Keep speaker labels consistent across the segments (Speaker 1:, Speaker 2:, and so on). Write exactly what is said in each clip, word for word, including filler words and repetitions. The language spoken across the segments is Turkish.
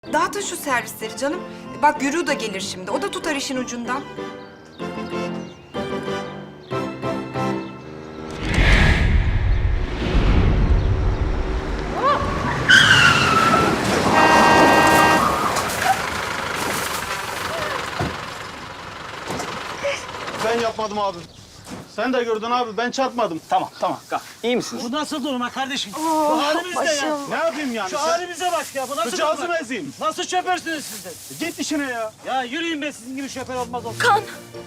Speaker 1: Dağıtın şu servisleri canım. Bak Gürü da gelir şimdi. O da tutar işin ucundan.
Speaker 2: Ben yapmadım abi. Sen de gördün abi, ben çarpmadım.
Speaker 3: Tamam, tamam. Kalk. İyi misiniz?
Speaker 4: Bu nasıl durma kardeşim? Bu halimiz ne ya?
Speaker 2: Ne yapayım yani?
Speaker 4: Şu
Speaker 2: Sen
Speaker 4: halimize bak ya. Bu nasıl
Speaker 2: bıçağızı mı
Speaker 4: durmak?
Speaker 2: ezeyim?
Speaker 4: Nasıl şoförsünüz siz de?
Speaker 2: Git işine ya.
Speaker 4: Ya yürüyün be, sizin gibi şoför olmaz olsun.
Speaker 1: Kan.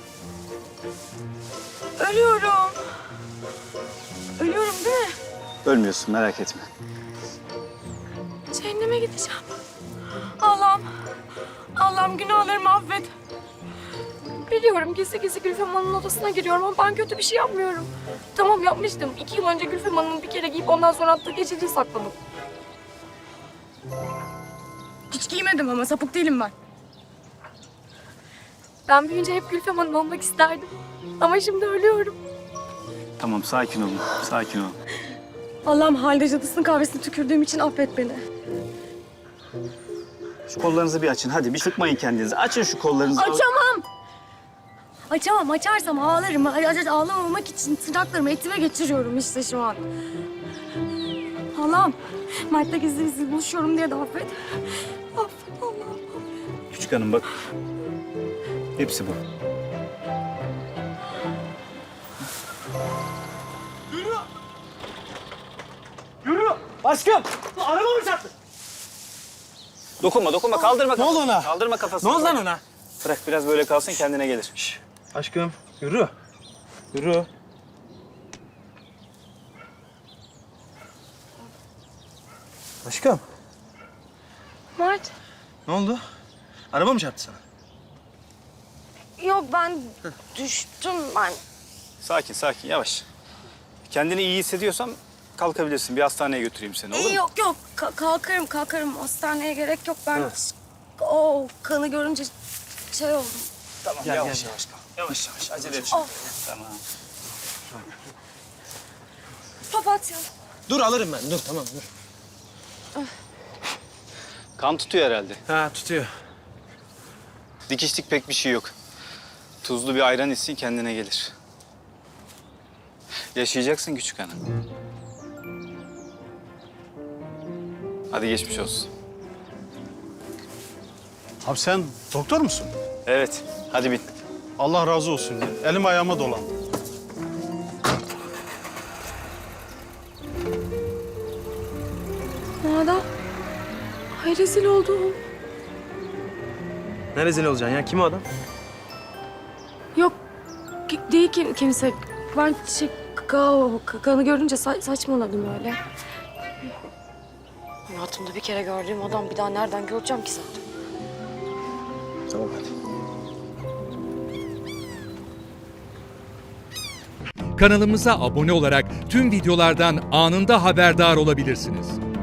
Speaker 1: Ölüyorum. Ölüyorum değil mi?
Speaker 3: Ölmüyorsun, merak etme.
Speaker 1: Cehenneme gideceğim. Allah'ım. Allah'ım günahlarımı affet. Biliyorum gizli gizli Gülfem Hanım'ın odasına giriyorum ama ben kötü bir şey yapmıyorum. Tamam yapmıştım. İki yıl önce Gülfem Hanım'ın bir kere giyip ondan sonra attığı geceliği sakladım. Hiç giymedim ama sapık değilim ben. Ben büyüyünce hep Gülfem Hanım olmak isterdim. Ama şimdi ölüyorum.
Speaker 3: Tamam, sakin olun, sakin olun.
Speaker 1: Allah'ım halde cadısının kahvesine tükürdüğüm için affet beni.
Speaker 3: Şu kollarınızı bir açın. Hadi bir sıkmayın kendinizi. Açın şu kollarınızı.
Speaker 1: Açamam. Açamam. Açarsam ağlarım. Ay- ay- Ağlamamak için tırnaklarımı etime geçiriyorum işte şu an. Allah'ım. Mert'le gizli gizli buluşuyorum diye de affet. Affet Allah'ım.
Speaker 3: Küçük hanım bak. Hepsi bu.
Speaker 4: Yürü! Aşkım! Araba mı çarptı?
Speaker 3: Dokunma, dokunma. Kaldırma
Speaker 2: Ne
Speaker 3: kafasını.
Speaker 2: oldu ona?
Speaker 3: Kaldırma kafasını.
Speaker 4: Ne oldu lan ona?
Speaker 3: Bırak biraz böyle kalsın, kendine gelir.
Speaker 2: Aşkım, yürü. Yürü. Aşkım,
Speaker 1: Mert.
Speaker 2: ne oldu? Araba mı çarptı sana?
Speaker 1: Yok ben düştüm ben.
Speaker 3: Sakin, sakin. Yavaş. Kendini iyi hissediyorsan kalkabilirsin. Bir hastaneye götüreyim seni, olur mu?
Speaker 1: Yok yok Ka- kalkarım kalkarım. Hastaneye gerek yok ben. O kanı görünce şey oldum.
Speaker 3: Tamam,
Speaker 2: Gel,
Speaker 3: yavaş
Speaker 2: gel,
Speaker 3: yavaş kalk. Yavaş yavaş, acele et.
Speaker 1: Oh.
Speaker 3: Tamam.
Speaker 1: Papatya.
Speaker 5: Dur alırım ben. Dur tamam dur.
Speaker 3: Kan tutuyor herhalde.
Speaker 5: Ha tutuyor.
Speaker 3: Dikişlik pek bir şey yok. Tuzlu bir ayran içsin, kendine gelir. Yaşayacaksın küçük hanım. Hadi geçmiş olsun.
Speaker 2: Abi sen doktor musun?
Speaker 3: Evet, hadi bin.
Speaker 2: Allah razı olsun ya. Elim ayağıma dolan.
Speaker 1: Nada. Ay rezil oldum.
Speaker 5: Ne rezil olacaksın ya? Kim o adam?
Speaker 1: Yok ki- değil ki kimse. Ben şey ka- ka- kanı görünce sa- saçmaladım öyle. Hayatımda bir kere gördüğüm adam bir daha nereden göreceğim ki zaten?
Speaker 3: Tamam hadi.
Speaker 6: Kanalımıza abone olarak tüm videolardan anında haberdar olabilirsiniz.